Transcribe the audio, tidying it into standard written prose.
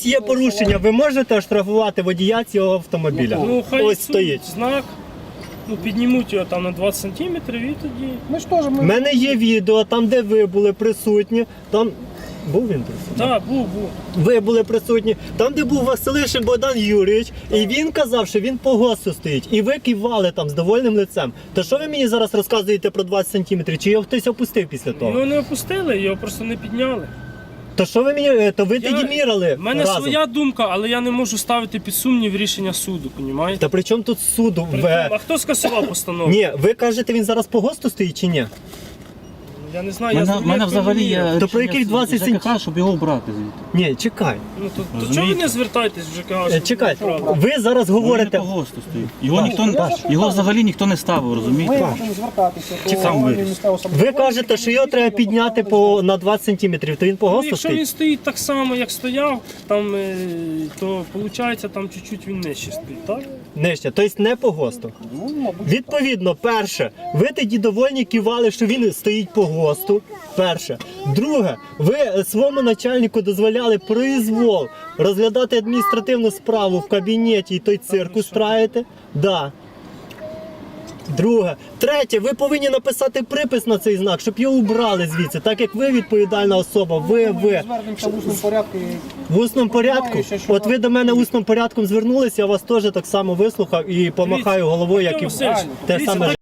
ось є порушення, ви можете оштрафувати водія цього автомобіля? Ну, хай Ось суд, стоїть. знак, ну, піднімуть його там на 20 сантиметрів і тоді... Ми ж теж, У мене є відео, там де ви були присутні, там... Був він присутній? Так, був. Ви були присутні, там де був Василишин Богдан Юрійович, і він казав, що він по ГОСТу стоїть, і ви кивали там з довольним лицем. То що ви мені зараз розказуєте про 20 сантиметрів? Чи його хтось опустив після того? Його не опустили, його просто не підняли. То що ви мені, то ви тоді мірили У мене разом. своя думка, але я не можу ставити під сумнів рішення суду, понімаєте? Та при чому тут суду? А хто скасував постанову? Ні, ви кажете, він зараз по ГОСТу стоїть чи ні? Я не знаю, У мене взагалі є То про яких 20 ЖКХ, щоб його обрати звідти. Ні, чекай. Ну, то чого ви не звертаєтесь в ЖКХ? щоб Чекай, було правда? ви зараз Він не говорите... по ГОСТу стоїть. Його взагалі ніхто не ставив, ми розумієте? будемо звертатися до Сам органів виріс. місцевого Ви самоврядування. кажете, що його треба підняти на 20 сантиметрів, то він по Ну, ГОСТу якщо він стоїть? стоїть так само, як стояв, там, то виходить, там чуть-чуть він нижче стоїть, так? Нижче, тобто не по ГОСТу. Ну, мабуть, Відповідно, перше, ви тоді довольні кивали, що він стоїть по ГОСТу. Перше. Друге, ви своєму начальнику дозволяли произвол розглядати адміністративну справу в кабінеті і той цирк устраїте. Да. Друге. Третє, ви повинні написати припис на цей знак, щоб його убрали звідси, так як ви відповідальна особа, ви. звернемося в усному порядку. В усному порядку? От ви до мене усним порядком звернулися, я вас теж так само вислухав і помахаю головою, як і Васильович, те дивіться, саме.